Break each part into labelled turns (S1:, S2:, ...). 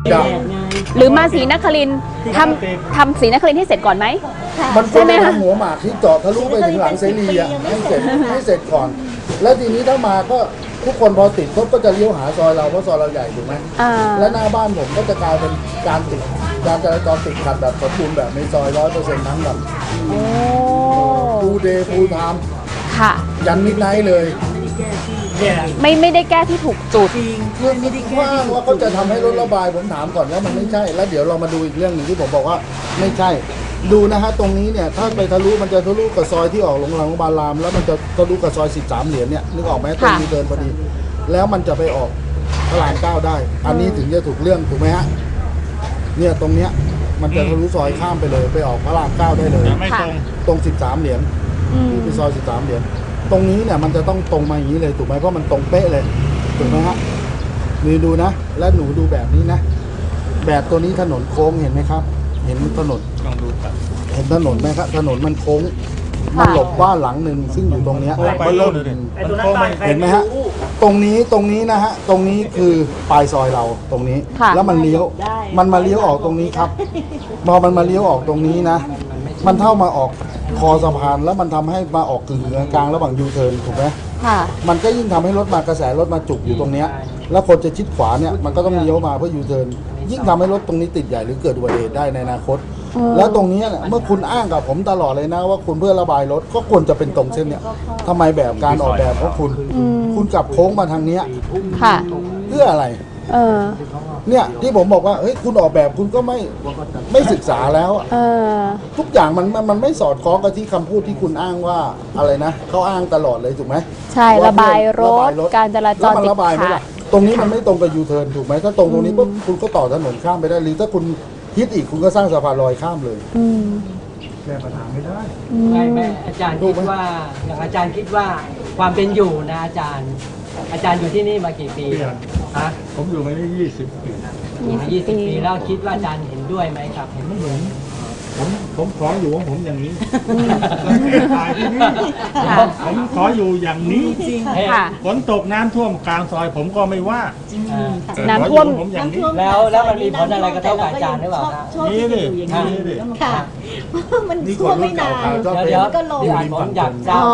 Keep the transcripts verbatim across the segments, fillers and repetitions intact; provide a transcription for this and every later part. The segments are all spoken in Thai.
S1: หรือมาศรีนครินทร์ทำทำศรีนครินทร์ให้เสร็จก่อนไหม
S2: มันใช่ไหมคะหัวหมากที่เจาะทะลุไปถึงหลังเสรีอ่ะให้เสร็จให้เสร็จก่อน แล้วทีนี้ถ้ามาก็ทุกคนพอติดปุ๊บก็จะเลี้ยวหาซอยเราเพราะซอยเราใหญ่ถูกไหมและหน้าบ้านผมก็จะกลายเป็นการติดการจราจรติดขัดแบบสมบูรณ์แบบในซอยร้อยเปอร์เซ็นต์ทั้งแบบฟูเดย์ฟูไทม์
S1: ค่ะ
S2: ยันมิดไนท์เลย
S1: ไม่ไม่ได้แก้ที่ถูกจุด
S2: คือว่าว่าเขาจะทำให้รถระบายผมถามก่อนว่ามันไม่ใช่แล้วเดี๋ยวเรามาดูอีกเรื่องหนึ่งที่ผมบอกว่าไม่ใช่ดูนะฮะตรงนี้เนี่ยถ้าไปทะลุมันจะทะลุกับซอยที่ออกโรงพยาบาลรามแล้วมันจะทะลุกับซอยสิบสามเหรียญเนี่ยนึกออกไหมตรงนี้เดินพอดีแล้วมันจะไปออกพระรามเก้าได้อันนี้ถึงจะถูกเรื่องถูกไหมฮะเนี่ยตรงเนี้ยมันจะทะลุซอยข้ามไปเลยไปออกพระรามเก้าได้เลย
S3: ไม่ตรง
S2: ตรงสิบสามเหรียญนี่เป็นซอยสิบสามเหรียญตรงนี้เนี่ยมันจะต้องตรงมาอย่างนี้เลยถูกไหมเพราะมันตรงเป๊ะเลยถูกไหมฮะนี่ดูนะและหนูดูแบบนี้นะแบบตัวนี้ถนนโค้งเห็นไหมครับเห็นถนน
S3: ลองดูครับ
S2: เห็นถนนไหมครับถนนมันโค้งมันหลบบ้านหลังหนึ่งซึ่งอยู่ตรงเนี้ย
S3: ไปเริ่ม
S2: เห็นไหมฮะตรงนี้ตรงนี้นะฮะตรงนี้คือปลายซอยเราตรงนี้แล้วมันเลี้ยวมันมาเลี้ยวออกตรงนี้ครับพอมันมาเลี้ยวออกตรงนี้นะมันเท่ามาออกคอสะพานแล้วมันทำให้มาออกกึ่งกลางระหว่างยูเทิร์นถูกไหมค่ะมันก็ยิ่งทำให้รถมากระแสรถมาจุกอยู่ตรงเนี้ยแล้วคนจะชิดขวาเนี่ยมันก็ต้องเลี้ยวมาเพื่อยูเทิร์นยิ่งทำให้รถตรงนี้ติดใหญ่หรือเกิดอุบัติเหตุได้ในอนาคตแล้วตรงนี้เนี่ยเมื่อคุณอ้างกับผมตลอดเลยนะว่าคุณเพื่อระบายรถก็ควรจะเป็นตรงเส้นเนี่ยทำไมแบบการออกแบบของคุณคุณกลับโค้งมาทางเนี้ย
S1: ค่ะ
S2: เพื่ออะไรเออเนี่ยที่ผมบอกว่าเฮ้ยคุณออกแบบคุณก็ไม่ไม่ศึกษาแล้วเออทุกอย่างมันมันไม่สอดคล้องกับที่คำพูดที่คุณอ้างว่าอะไรนะเขาอ้างตลอดเลยถูกไหม
S1: ใช่ระบายรถการจราจรติดขัด
S2: ตรงนี้มันไม่ตรงกับยูเทิร์นถูกไหมถ้าตรงตรงนี้ปุ๊บคุณก็ต่อถนนข้ามไปได้หรือถ้าคุณฮิตอีกคุณก็สร้างสะพานลอยข้ามเลยแก้ปัญหาไม่ได้
S4: ไม่ไม่อาจารย์คิดว่าอย่างอาจารย์คิดว่าความเป็นอยู่นะอาจารย์อาจารย์อยู่ที่นี่มากี่ปีฮะ
S3: ผมอยู่มาได้ยี่สิบปี
S4: ยี่สิบปีแล้วคิดว่าอาจารย์เห็นด้วยไหมครับ
S3: เห็นไม่เหมือนผมผมขออยู่ของผมอย่างนี้ตายที่นี่ผมขออยู่อย่างนี้ฝนตกน้ำท่วมกลางซอยผมก็ไม่ว่า
S1: น้ำท่วม
S3: ผมอย่างนี้
S4: แล้วแล้วมันมีผลอะไรกระทบกับอาจารย์หรือเปล่า
S3: นี่ดินี่ดิ
S5: ค่ะมันท่วมไม่นาน
S4: เดี๋ยวก็ลงผมอยากทราบ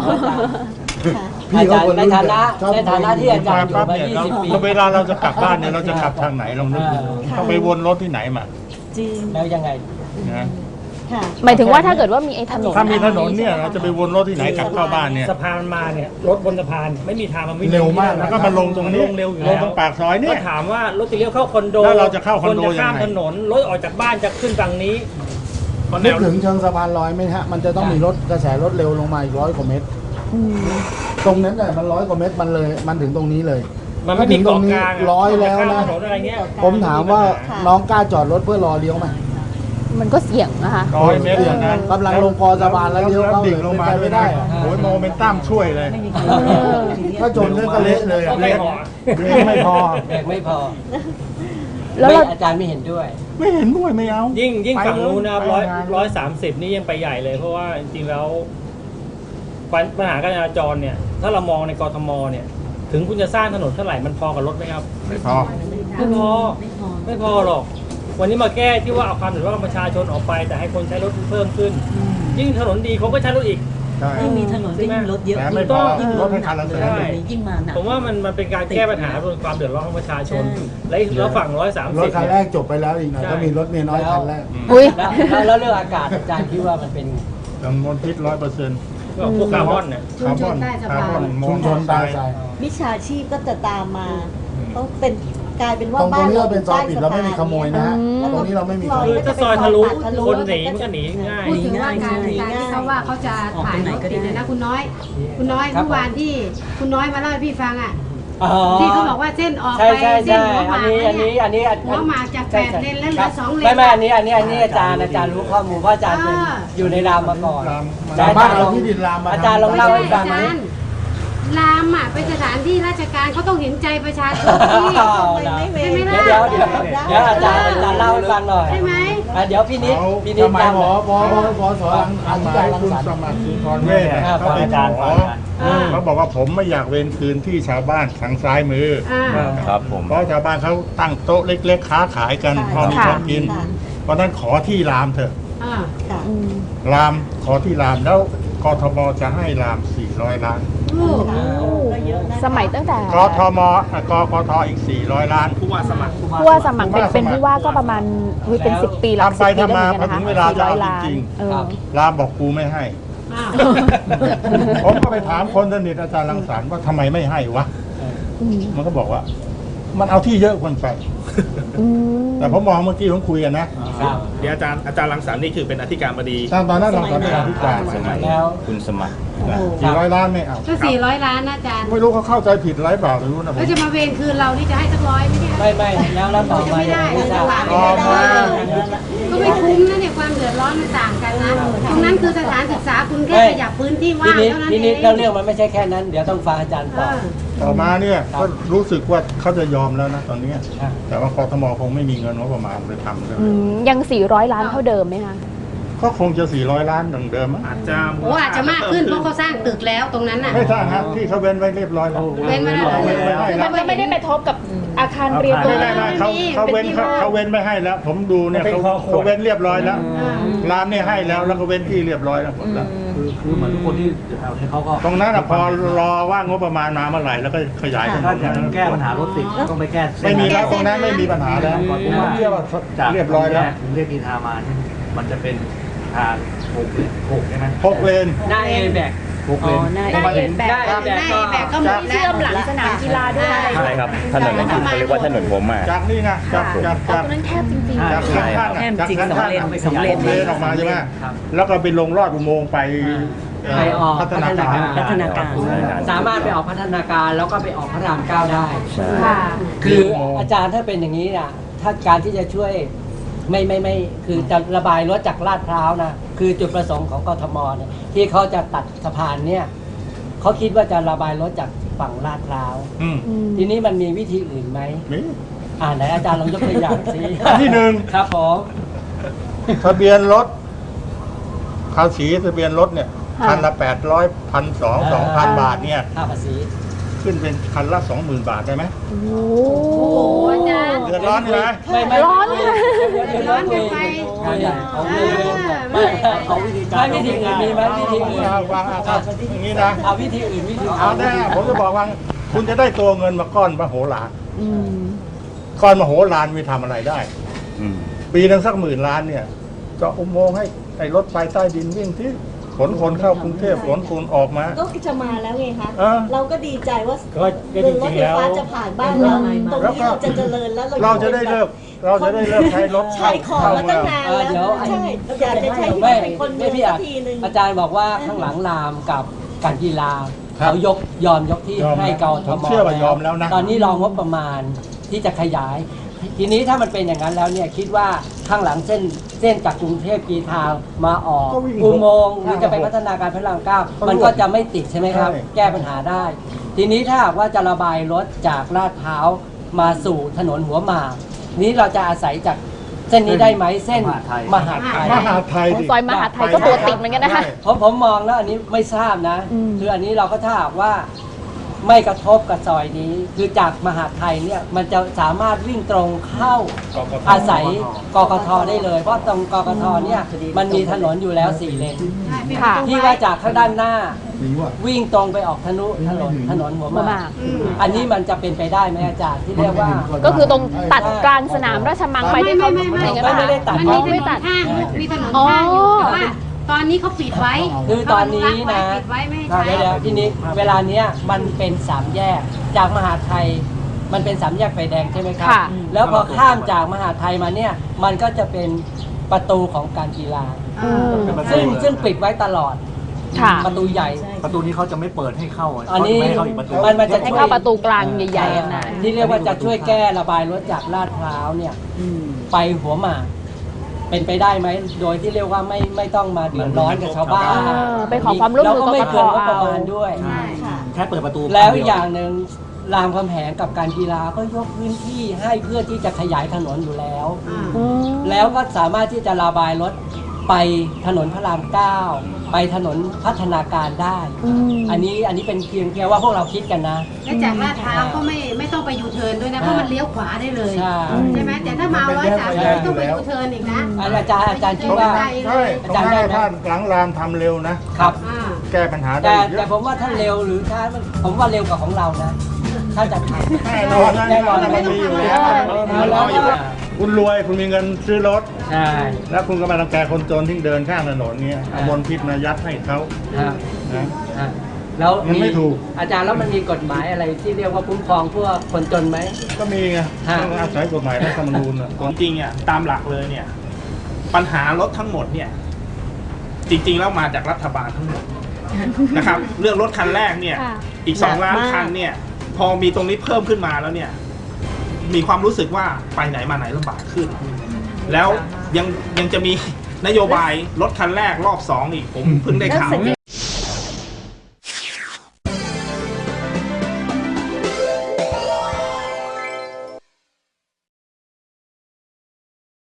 S4: อาจารย์ในฐานะในฐานะที่อาจารย์อยู่มายี่สิบปี
S3: เวลาเราจะกลับบ้านเนี่ยเราจะกลับทางไหนลองนึกดูต้องไปวนรถที่ไหนมา
S5: จริง
S4: แล้วยังไง
S3: นะ
S1: หมายถึงว่าถ้าเกิดว่ามีไอ้ถนน
S3: ถ้ามีถนนเนี่ยเราจะไปวนรถที่ไหนกลับเข้าบ้านเนี่ย
S4: สะพานมาเนี่ยรถบนสะพานไม่มีทางมันไม่
S3: เร็วมากแล้วก็มาลงตรงนี้
S4: ลงเร็วอยู่
S3: ลงตรงปากซอยเนี่ย
S4: ถามว่ารถจะเลี้ยวเข้าคอนโด
S3: แล้วเราจะเข้าคอนโด
S4: ยังไงข้ามถนนรถออกจากบ้านจะขึ้นฝั่งนี้
S2: นึกถึงเชิงสะพานลอยไหมฮะมันจะต้องมีรถกระแสรถเร็วลงมาอีกร้อยกว่าเมตรตรงนั้นเนี่ยมันร้อยกว่าเมตรมันเลยมันถึงตรงนี้เลย
S4: มันไม่ถึงตรงนี้
S2: ร้อยแล้วนะผมถามว่าน้องกล้าจอดรถเพื่อรอเลี้ยวไหม
S1: มันก็เสี่ยงนะคะ
S3: ร้อยเมตร
S2: กำลังลงคอสะพานแล้วเลี้ยวเข้าดิ่งลงมาไม่ได้
S3: โอ้ยโมเมนตัมช่วยเลย
S2: ถ้าจนเรื่องก็เละเลย
S4: เละ
S2: ไม่พอ
S4: ไม่พอแล้วอาจารย์ไม่เห็นด้วย
S3: ไม่เห็นด้วยไม่เอา
S4: ยิ่งยิ่งฝั่งนู้นนะครับร้อยร้อยสามสิบนี่ยังไปใหญ่เลยเพราะว่าจริงๆแล้วปัญหาการจราจรเนี่ยถ้าเรามองในกทมเนี่ยถึงคุณจะสร้างถนนเท่าไหร่มันพอกับรถไหมครับ
S3: ไม่พอ
S4: ไม่พอไม่พอหรอกวันนี้มาแก้ที่ว่าเอาความเดือดร้อนของประชาชนออกไปแต่ให้คนใช้รถเพิ่มขึ้นยิ่งถนนดีเขาก็ใช้รถอีก
S5: ยิ่งมีถนนยิ่งรถเยอะ
S3: ยิ่งยิ่งรถให้ทันแล้ว
S5: ยิ่งมาหนัก
S4: ผมว่ามันมันเป็นการแก้ปัญหาความเดือดร้อนของประชาชนและแล้วฝั่งร้อยสามสิบ
S2: รถคันแรกจบไปแล้วอีกหน่อยก็มีรถเมียน้อยคันแรก
S1: อุ้ย
S4: แล้วเรื่องอากาศอาจารย์คิดว่ามันเป็น
S3: กังวลพิษร้อยเปอร์เซ็นต์
S4: พวกคาร์บอนเนี่ย
S3: คาร์บอนคาร์บอน
S2: ชุมชนตายใจ
S5: มิจฉาชีพก็จะตามมาต้องเป็นกลายเป็นว่า
S2: บ้านเราเป็นซอยปิดเราไม่มีขโมยนะฮะตรงนี้เราไม่มี
S4: คือถ้าซอยทะลุคนหนีมันก็หนีง่าย
S6: พูดถึงว่าการการที่เขาว่าเขาจะถ่ายรถติดนะคุณน้อยคุณน้อยเมื่อวานที่คุณน้อยมาเล่าให้พี่ฟังอ่ะที่เขาบอกว่าเส้นออกไปเส้นหัวหมาก
S4: อันนี้อันนี้
S6: หัวหมากจากแปดเลนแล้วเหลือสองเลน
S4: ไม่ไม่อันนี้อันนี้อันนี้อาจารย์อาจารย์รู้ข้อมูลเพราะอาจารย์อยู่ในรามมาก่อน
S2: อาจารย์ลองที่ดินรามมา
S4: อาจารย์ลองเล่าให้ฟัง
S6: ทรามอ่ะเป็นสถานที่ราชการเขาต้องเห็นใจประชาชนที่
S5: ไม่
S6: ใช่
S5: เว้
S6: ไหม
S5: น
S6: ล่ะ
S7: เดี๋ยวเดี๋ยวเดี๋ยวอาจารย์อาจารย์เล่าให้ฟังหน่อย
S6: ใช่ไหม
S7: อ่ะเดี๋ยวพี่นิดพี่นิด
S3: ทำไม
S7: จำ
S3: หมอบอบอบอสอรังสมัยคุณสมัครสุนทรเวชเนี่ยเขาไปขอเขาบอกว่าผมไม่อยากเวรคืนที่ชาวบ้านทางซ้ายมือ
S6: อ่า
S8: ครับผม
S3: เพราะชาวบ้านเขาตั้งโต๊ะเล็กๆค้าขายกันพอมีพอกิน
S5: ค่ะ
S3: เพราะฉะนั้นขอที่รามเถอะ
S6: อ่า
S5: ค่ะ
S1: อืม
S3: รามขอที่รามแล้วกทมจะให้รามสี่ร้อยล้าน
S6: โอ้
S5: ก็เยอะนะ
S1: สมัยตั้งแต่
S3: กทมอ่ะกกทอีกสี่ร้อยล้าน
S8: ผู้ว่าสมัคร
S1: ผู้ว่าสมัครเป็นเป็นผู้ว่าก็ประมาณอุ๊ยเป็นสิบปีหลัก
S3: ทำไป
S1: สิบปี
S3: ทำมา
S1: ได้เหมือนกัน
S3: พอถึงเว
S1: นะ
S3: ลา
S1: คะสี่
S3: จะ
S1: ร้อย
S3: เอา
S1: ล้าน
S3: จริง
S1: เออ
S3: รามบอกกูไม่ให้
S6: อ้าว
S3: ผมก็ไปถามคนสนิทอาจารย์รังสรรค์ว่าทำไมไม่ให้วะ
S1: อืม
S3: มันก็บอกว่า มันเอาที่เยอะเกินไป
S1: อืม
S3: แต่ผมมองเมื่อกี้ผมคุยกันนะ
S8: เดี๋ยวอาจารย์อาจารย์รังสรรค์นี่คือเป็นอธิการบดี
S3: ตอนตอนนั้นรังสรรค์เป็นอธิการ
S8: สมัยคุณสมัคร
S3: สี่ร้อยล้านไม่เอา
S6: ก็สี่ร้อยล้านนะอาจารย์
S3: ไม่รู้เขาเข้าใจผิดไรเปล่าไม่รู้นะผม
S6: แล้วจะมาเวรคืนเรานี่จะให้สักร้อยไม่ได้
S7: ไม่ไม่แล้วแล้วต่อ
S6: จะ
S7: มา
S6: ไม่ได้
S7: ไม่ทราบ
S3: ต่อมา
S6: ก็ไม่คุ้มนะเนี่ยความเดือดร้อนมันต่างกันนะตรงนั้นคือสถานศึกษาคุณแค่ขยับพื้นที่
S7: พี่
S6: ว่าง
S7: นิด
S6: เท่านั้น
S7: พี่
S6: เอ
S7: นิด
S6: ง
S7: แล้วเรื่องมันไม่ใช่แค่นั้นเดี๋ยวต้องฟังอาจารย์
S6: เอ
S7: ต่อ
S6: อ
S3: ต่อมาเนี่ย
S7: ครับ
S3: ก็รู้สึกว่าเขาจะยอมแล้วนะตอนเนี้ย
S7: ครับ
S3: แต่ว่ากทมคงไม่มีเงินงบประมาณเลยทำเลย
S1: อืมยังสี่ร้อยล้านเท่าเดิมไหมคะ
S3: ก็คงจะสี่ร้อยล้านดังเดิมมั้ง
S8: อาจจะ
S6: โอ้อาจจะมากขึ้นเพราะเขาสร้างตึกแล้วตรงนั้นน่ะ
S3: ไม่ทราบฮะที่เขาเว้นไว้เรียบร้อยแล้ว
S6: เว้นไว้แล้ว
S3: เว้นไว้ให้
S1: คือ
S3: แล้
S1: มั
S3: วน
S1: ก็ไม่ได้ไปทบกับอาคารเรียนตรง
S3: ไม่
S1: นั้
S3: ได้
S1: น
S3: ไม่เขาเขาเว้นเขาเขาเว้นไม่ให้แล้ว ผมดูเนี่ยเขาเขาเว้นเรียบร้อยแล้วร้านเนี่ยให้แล้วแล้วก็เว้นที่เรียบร้อยแล้วหมดแล้ว
S9: คือคือเหมือนทุกคนที่แถวนี้เขาก็
S3: ตรงนั้นอะพอรอว่างบประมาณมาเมื่อไหร่แล้วก็ขยายถน
S9: ถ้าน จะแก้ปัญหารถติดต้องไปแก้เส้
S3: ไม่
S9: น
S3: มีแล้วตรงนั้นไม่มีปัญหาแล้วผมเชื่อว่า
S9: จาก
S3: เรียบร้อยแล้ว
S9: ถึงเรียกกีทามาเนี่ยมันจะเป็นทางหกเลนหกใช่ไหม
S3: หกเลน
S7: หน้าเอแบก
S9: หกเลน
S1: หน้า
S3: ประมาณ
S1: เอแบก
S7: ได้แบกก็
S6: แบกก็หมด
S1: เชื่อมหลังสนามกีฬาด้วยอะไร
S8: ใช่ครับถนนนั้นคือเขาเรียกว่าถนนหัวหมาก
S3: จากนี่นะจากจาก
S1: อ๋อ
S3: จาก
S1: ตรงนั้นแคบจริงๆ
S3: จากข้างข้างอะจากข้างข้างอะ
S9: สองเลน
S3: หกเลนออกมาใช่ไหมแล้วก็ไปลงลอดอุโมงค์ไปเอ่อ
S7: ไปออก
S3: พัฒนาการ
S7: พัฒนาการสามารถไปออกพัฒนาการแล้วก็ไปออกพระรามเก้าได้
S8: ใช่
S1: ค่ะ
S7: คืออาจารย์ถ้าเป็นอย่างนี้นะถ้าการที่จะช่วยไม่ไม่ไม่คือจะระบายรถจากลาดพร้าวนะคือจุดประสงค์ของกทมเนี่ยที่เขาจะตัดสะพานเนี่ยเขาคิดว่าจะระบายรถจากฝั่งลาดพร้าว
S3: อืม
S7: ทีนี้มันมีวิธีอื่นไหม
S3: นี่
S7: อ่าไหนอาจารย์ลองยกตัวอย่างสิ
S3: อันที่หนึ่ง
S7: ครับผม
S3: ทะเบียนรถภาษีทะเบียนรถเนี่ย
S1: ค่ะ
S3: คันละแปดร้อยพันสองสองพันบาทเนี่ย
S7: ค่าภาษี
S3: ขึ้นเป็นคันละสองหมื่นบาทได้ไหม
S1: โอ้
S6: โอ้โหอาจารย์
S3: เดือดร้อนใช่ไหม
S7: ไม่ไม่
S1: ร้อนค่ะ
S7: เดือดร้อนกันไป
S6: อ่า
S7: ไม่เอาวิธีการไม่วิธีอื่นมีไหมวิธีอื่น
S3: วางอาคารอย่างนี้นะ
S7: เอาวิธีอื่นวิธี
S3: เอาแน่ผมจะบอกว่าคุณจะได้ตัวเงินมาก้อนมโหฬาร
S1: อืม
S3: ก้อนมโหฬารมีทำอะไรได้
S8: อืม
S3: ปีหนึงสักหมื่นล้านเนี่ยเจาะอุโมงค์ให้ไอ้รถไฟใต้ดินวิ่งที่ขนคนเข้ากรุงเทพขนคนออกมา
S5: ก็จะมาแล้วไงคะ
S3: เออ
S5: เราก็ดีใจว่า
S3: ก็ก็จริงๆแล้ว
S5: รถไฟฟ้าจะผ่านบ้านเราตรงนี้เราจะเจริญแล้ว
S3: เราจะได้เลิกเราจะได้เลิกใช้รถ
S5: ใช้ของมาตั้งนาน
S7: เออ
S5: แล้ว
S7: เดี๋ยว
S5: ใช่อยากจะใช้ชีวิ
S7: ไม่
S5: ตเป็นคนเมื
S7: ไม่
S5: อง
S7: พี่
S5: สั
S7: อาก
S5: ทีหนึ่ง
S7: อาจารย์บอกว่าข้างหลังรามกับการกีฬา
S3: ครับ
S7: เขายกยอมยกที่
S3: ยอม
S7: ให้กท
S3: ผม มเชื่อว่ายอมแล้วนะ
S7: ตอนนี้รองงบประมาณที่จะขยาย ทีนี้ถ้ามันเป็นอย่างนั้นแล้วเนี่ยคิดว่าข้างหลังเส้นเส้นจากกรุงเทพกีทางมาออก
S3: ก็วิ่ง
S7: อุโมงค์หรือจะไปพัฒนาการพระรามเก้า
S3: ก็
S7: มันก็จะไม่ติดใช่ไหมครับ
S3: ใช่
S7: แก้ปัญหาได้ ทีนี้ถ้าหากว่าจะระบายรถจากลาดพร้าวมาสู่ถนนหัวหมากนี้เราจะอาศัยจากเส้นนี้ได้ไหมเส้นมหาดไทย
S3: มหาไทยดิ
S1: ซอยมหาดไทยก็ตัวติดเหมือนกันนะคะ
S7: ผมผมมองแล้วอันนี้ไม่ทราบนะ
S1: อืม
S7: คืออันนี้เราก็ถ้าหากว่าไม่กระทบกับซอยนี้ คือจากมหาดไทยเนี่ยมันจะสามารถวิ่งตรงเข้าอาศัยกกทได้เลย เพราะตรงกกทเนี่ยมันมีถนนอยู่แล้วสี่เลน
S1: ค่ะ
S7: ที่ว่าจากข้างด้านหน้า
S2: ดีว่ะ
S7: วิ่งตรงไปออกถนนถนนถนนหัวห
S1: หัวห
S7: มาม
S1: าก ก
S7: อันนี้มันจะเป็นไปได้ไหมอาจารย์ที่เรียกว่า
S1: ก็คือตรงตัดกลางสนามราชมังไปที่เขา
S6: ไม่ไม่ไม่
S1: อย่างนั้น
S7: ไม่
S1: นะ
S7: ได้
S1: คะ
S7: ตัด
S6: มัน
S1: อ๋
S6: มี
S1: อ
S6: ถ
S1: ไม่
S6: น
S1: ตั
S6: น
S1: ด
S6: ข้างมีถนนข้างอยู่แต่ว่าตอนนี้เขาปิดไว้
S7: คือตอนนี้นะ
S6: ปิดไว้ไม่ให้
S7: ครับ
S6: ใช้
S7: เดี๋ยวๆทีนี้เวลาเนี้ยมันเป็นสามแยกจากมหาดไทย มันเป็นสามแยกไฟแดงใช่ไหมครับ
S1: ค่ะ
S7: แล้วพอข้ามจากมหาดไทยมาเนี่ยมันก็จะเป็นประตูของการกีฬา
S1: อืม
S7: ซึ่งซึ่งปิดไว้ตลอด
S1: ค่ะ
S7: ประตูใหญ่
S9: ประตูนี้เขาจะไม่เปิดให้เข้าะ
S7: อันนี้
S9: เขาจะไม่ให้เข้าอีกประตู
S7: มันมันจะ
S1: ให้เข้าประตูกลางใหญ่ๆอะนะ
S7: ที่เรียกว่าจะช่วยแก้ระบายรถจากลาดพร้าวเนี่ยไปหัวหมากเป็นไปได้ไหมโดยที่เรียกว่าไม่ไม่ต้องมาเดือดร้อนกับชาวบ้าน
S1: เออไปขอความร่วมมือ
S7: แล้วก็ไม่
S1: กกต
S7: เกินงบประมาณด้วย
S6: ใช่
S5: ค่ะ
S10: แค่เปิดประตู
S7: แล้วอย่างหนึ่งรามคำแหงกับการกีฬาก็ยกพื้นที่ให้เพื่อที่จะขยายถนนอยู่แล้ว แล้วก็สามารถที่จะระบายรถไปถนนพระรามเก้าไปถนนพัฒนาการได้ อันนี้อันนี้เป็นเพียงแค่ว่าพวกเราคิดกันนะ
S6: และจากลาดพร้าวก็ไม่ไม่ต้องไปยูเทิร์นด้วยนะเพราะมันเลี้ยวขวาได้เลย
S7: ใช่
S6: ใช่ไหมแต่ถ้ามาร้อยสามสิบต้องไปยูเทิร์นอีกนะ
S7: อาจารย์อาจารย์คิดว่า
S3: ใช่ตรงหน้าท่านหลังรามทำเร็วนะ
S7: ครับ
S3: แก้ปัญหาได้
S7: แต่
S3: เย
S7: แต่
S3: อะ
S7: ผมว่าท่านเร็วหรือช้าผมว่าเร็วกว่าของเรานะถ้าจะทำ
S3: แน่นอนนะ
S7: แน่นอน
S3: มันมีอยู่แล้ว
S7: แล้วก็
S3: คุณรวยคุณมีเงินซื้อรถ
S7: ใช่
S3: แล้วคุณก็มารังแกคนจนที่เดินข้างถนนเงี้ยเอามลพิษมายัดให้เขา
S7: ครับ
S3: นะ
S7: อ่ะแล้ว
S3: มันไม่ถูก
S7: อาจารย์แล้วมันมีกฎหมายอะไรที่เรียกว่าคุ้มครองพวกคนจนไหม
S3: ก็มีไง
S7: ฮะ
S3: ต้องอาศัยกฎหมายรัฐธรรมนูญอ่ะ
S8: จริงๆอ่ะตามหลักเลยเนี่ย ปัญหารถทั้งหมดเนี่ย จริงๆแล้วมาจากรัฐบาลทั้งหมดนะครับ เรื่องรถคันแรกเนี่ย
S1: ค่ะ
S8: อีกสองล้านคันเนี่ย พอมีตรงนี้เพิ่มขึ้นมาแล้วเนี่ย มีความรู้สึกว่าไปไหนมาไหนลำบากขึ้น แล้วยังยังจะมีนโยบายรถคันแรกรอบสองอีกผมเพิ่งได้ข่าว